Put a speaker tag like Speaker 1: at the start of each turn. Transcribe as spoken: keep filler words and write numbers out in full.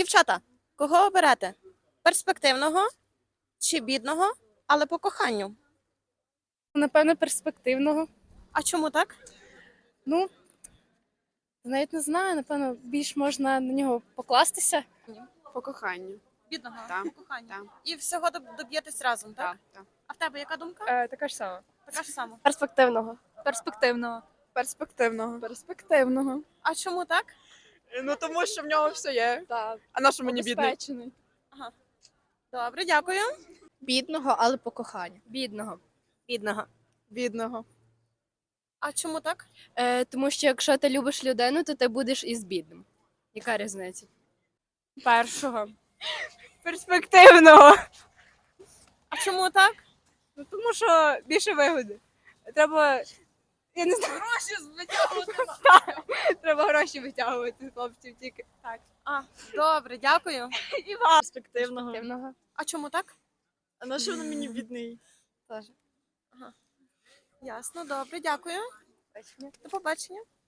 Speaker 1: Дівчата, кого оберете? Перспективного чи бідного, але по коханню?
Speaker 2: Напевно, перспективного.
Speaker 1: А чому так?
Speaker 2: Ну, навіть не знаю, напевно, більш можна на нього покластися.
Speaker 3: По коханню.
Speaker 1: Бідного,
Speaker 3: Так,
Speaker 1: по коханню.
Speaker 3: так.
Speaker 1: І всього доб- доб'єтесь разом, так?
Speaker 3: Так, так.
Speaker 1: А в тебе яка думка?
Speaker 2: Е, така ж сама.
Speaker 1: Така ж сама.
Speaker 2: Перспективного.
Speaker 4: Перспективного.
Speaker 3: Перспективного.
Speaker 4: Перспективного.
Speaker 1: А чому так?
Speaker 3: Ну тому що в нього все є.
Speaker 2: Так.
Speaker 3: А на що мені бідний?
Speaker 2: Обезпечений.
Speaker 1: Добре, дякую.
Speaker 2: Бідного, але по коханню. Бідного.
Speaker 1: Бідного.
Speaker 3: Бідного.
Speaker 1: А чому так?
Speaker 2: Е, тому що якщо ти любиш людину, то ти будеш із бідним. Яка різниця? Першого.
Speaker 3: Перспективного.
Speaker 1: А чому так?
Speaker 3: Ну тому що більше вигоди. Треба. Я не знаю.
Speaker 1: Гроші витягувати.
Speaker 3: Треба гроші витягувати з хлопців тільки. Так.
Speaker 1: А, добре, дякую.
Speaker 3: І вам.
Speaker 4: Перспективного.
Speaker 2: Перспективного.
Speaker 1: А чому так?
Speaker 4: А на що воно мені бідний?
Speaker 2: Теж.
Speaker 1: Ясно, добре, дякую. До побачення.